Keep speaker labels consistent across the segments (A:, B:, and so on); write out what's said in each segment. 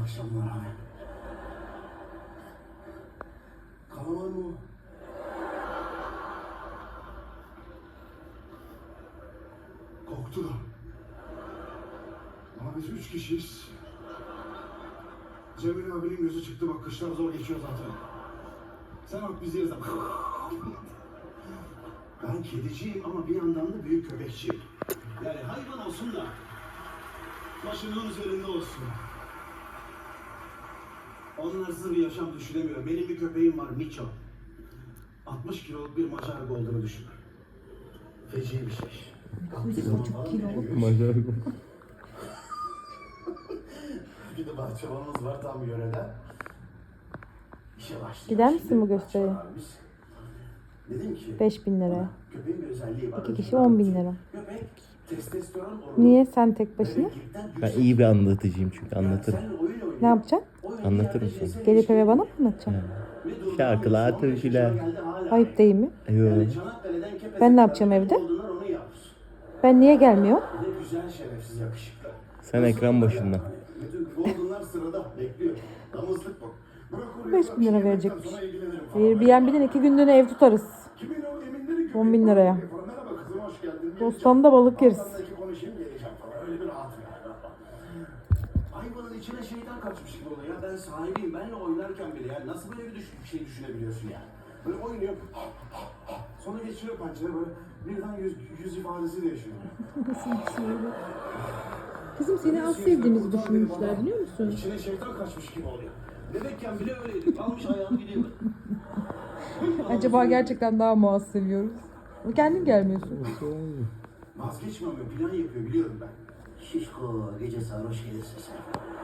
A: akşamlar abi. Kalamar mı? Korktular. Ama biz 3 kişiyiz. Cemil abinin gözü çıktı, bak kışlar zor geçiyor zaten. Sen bak biz yeriz. Ben kediciyim ama bir yandan da büyük köpekçiyim. Yani hayvan olsun da başının üzerinde olsun. Onlarsız bir yaşam düşünemiyorum. Benim bir köpeğim var, Miço. 60 kiloluk bir Macar Golden'ı düşün. Feci bir şey.
B: 1,5 kiloluk.
C: Macar.
A: Bir de bahçıvanımız var tam yörede. İşe başlıyor.
B: Gider misin bu gösteriye?
A: Dedim ki
B: 5.000 liraya.
A: köpeğin bir özelliği var.
B: 2 kişi 10.000 lira.
A: Köpek testosteron
B: Niye sen tek başına?
C: Ben iyi bir anlatıcıyım çünkü anlatırım.
B: Ne yapacaksın?
C: Anlatırım sana.
B: Gelip eve bana mı anlatacaksın?
C: Şarkılar, türküler.
B: Ayıp değil mi?
C: Yok.
B: Ben ne yapacağım evde? Ben niye gelmiyorum?
A: Ne güzel şerefsiz yakışıklı.
C: Sen ekran başında.
A: Bütün Golden'lar sırada bekliyor. Damızlık bu.
B: 5.000 lira verecekmiş. Airbnb'den 2 günlüğüne ev tutarız. 10.000 liraya.
A: Merhaba kızım, hoş geldin.
B: Bostan'da balık yeriz.
A: Bostan'daki konuşayım geleceğim falan. Öyle bir rahat yani. Hayvanın içine şeytan kaçmış gibi oluyor ya. Ben sahibiyim. Benle oynarken bile ya. Nasıl böyle bir şey düşünebiliyorsun yani? Böyle oynuyor. Sonra geçiyor pençere böyle. Birden yüz ifadesi değişiyor.
B: Nasıl bir şey öyle? Kızım seni az sevdiğimizi düşünmüşler biliyor musun?
A: İçine şeytan kaçmış gibi oluyor. Bebekken bile öyleydik. Almış ayağını gidiyor.
B: Acaba gerçekten daha mı az seviyoruz? Kendin gelmiyorsun.
A: Vazgeçmiyor, plan yapıyor biliyorum ben. Şişko, gece sarhoş gelirsin sen.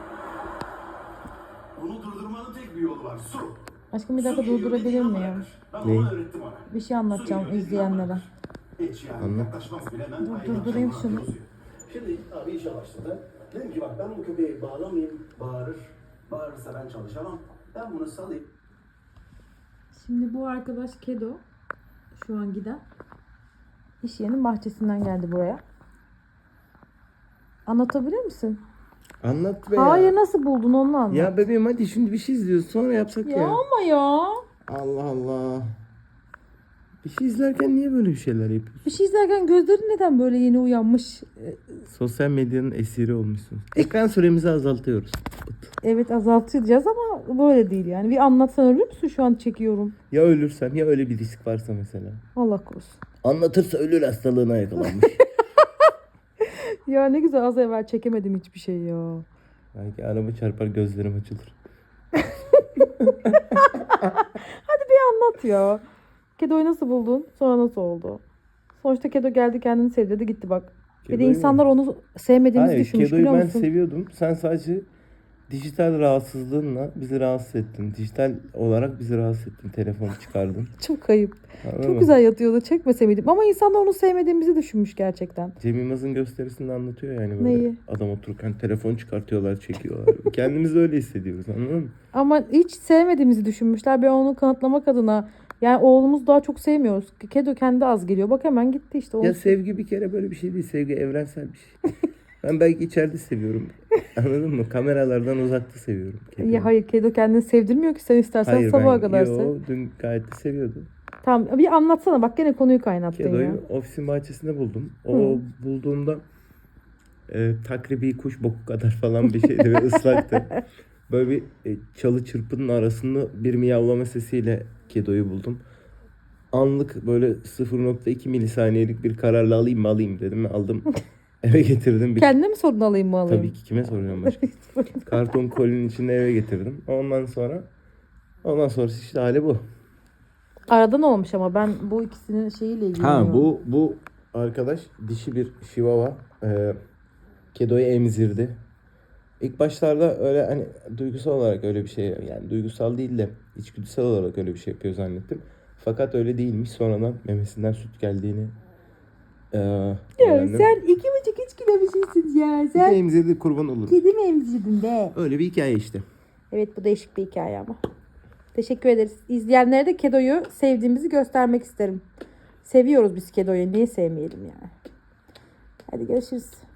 A: Onu durdurmanın tek bir yolu var, su.
B: Aşkım bir dakika durdurabilir miyim?
A: Ben onu öğrettim ona.
B: Bir şey anlatacağım izleyenlere.
A: Hiç yani
C: Anlat.
A: yaklaşmaz bile. Ben
B: Durdurayım şunu.
A: Şimdi abi işe başladı. Dedim ki bak ben bu köpeği bağlamayayım, bağırır. Bağırırsa ben çalışamam. Ben bunu salayım.
B: Şimdi bu arkadaş Kedo. Şu an giden. İş yerinin bahçesinden geldi buraya. Anlatabilir misin?
C: Anlat be
B: Hayır
C: ya.
B: nasıl buldun onu anlat.
C: Ya bebeğim hadi şimdi bir şey izliyoruz sonra yapsak
B: Ya
C: ya.
B: ama ya.
C: Allah Allah. Bir şey izlerken niye böyle bir şeyler yapıyorsun?
B: Bir şey izlerken gözlerin neden böyle yeni uyanmış?
C: Sosyal medyanın esiri olmuşsun. Ekran süremizi azaltıyoruz.
B: Evet azaltacağız ama böyle değil yani. Bir anlatsan ölür müsün şu an çekiyorum.
C: Ya ölürsem ya öyle bir risk varsa mesela.
B: Allah korusun.
C: Anlatırsa ölür hastalığına yakalanmış.
B: Ya ne güzel az evvel çekemedim hiçbir şey ya.
C: Belki araba çarpar gözlerim açılır.
B: Hadi bir anlat ya. Kedo'yu nasıl buldun? Sonra nasıl oldu? Sonuçta Kedo geldi kendini sevdirdi gitti bak. Bir de
C: Kedo'yu
B: insanlar onu sevmediğimizi
C: Hayır,
B: düşünmüş
C: Kedo'yu
B: biliyor
C: ben
B: musun?
C: seviyordum. Sen sadece dijital rahatsızlığınla bizi rahatsız ettin. Dijital olarak bizi rahatsız ettin. Telefonu çıkardın.
B: Çok ayıp.
C: Anladın
B: Çok
C: mı?
B: güzel yatıyordu. Çekmese miydim? Ama insanlar onu sevmediğimizi düşünmüş gerçekten.
C: Cem Yılmaz'ın gösterisinde anlatıyor yani böyle.
B: Neyi?
C: Adam otururken telefon çıkartıyorlar, çekiyorlar. Kendimizi öyle hissediyoruz anladın mı?
B: Ama hiç sevmediğimizi düşünmüşler. Ben onu kanıtlamak adına yani oğlumuz daha çok sevmiyoruz. Kedo kendi az geliyor. Bak hemen gitti işte.
C: Ya sevgi bir kere böyle bir şey değil. Sevgi evrensel bir şey. Ben belki içeride seviyorum. Anladın mı? Kameralardan uzakta seviyorum. Kediyi.
B: Ya hayır Kedo kendini sevdirmiyor ki sen istersen
C: Hayır,
B: sabaha kadar sev.
C: yo, dün gayet de seviyordum.
B: Tamam bir anlatsana bak gene konuyu kaynattın ya.
C: Kedo'yu ofisin bahçesinde buldum. O bulduğumda takribi kuş boku kadar falan bir şeydi ve ıslaktı. Böyle bir çalı çırpının arasında bir miyavlama sesiyle Kedo'yu buldum. Anlık böyle 0,2 milisaniyelik bir kararla alayım mı alayım dedim. Aldım eve getirdim.
B: Kendine mi sorun alayım mı alayım?
C: Tabii ki kime soracağım başka. Karton kolinin içinde eve getirdim. Ondan sonra işte hali bu.
B: Aradan olmuş ama ben bu ikisinin şeyiyle ilgileniyorum.
C: Ha bu arkadaş dişi bir şivava. Kedo'yu emzirdi. İlk başlarda öyle hani duygusal olarak öyle bir şey yani duygusal değil de içgüdüsel olarak öyle bir şey yapıyor zannettim. Fakat öyle değilmiş. Sonradan memesinden süt geldiğini
B: Ya
C: öğrendim.
B: sen 2,5-3 kilo bir şeysin ya.
C: Bir de
B: Sen
C: emzirdi kurban olur.
B: kedi mi emzirdin be?
C: Öyle bir hikaye işte.
B: Evet bu değişik bir hikaye ama. Teşekkür ederiz. İzleyenlere de Kedo'yu sevdiğimizi göstermek isterim. Seviyoruz biz Kedo'yu. Niye sevmeyelim yani? Hadi görüşürüz.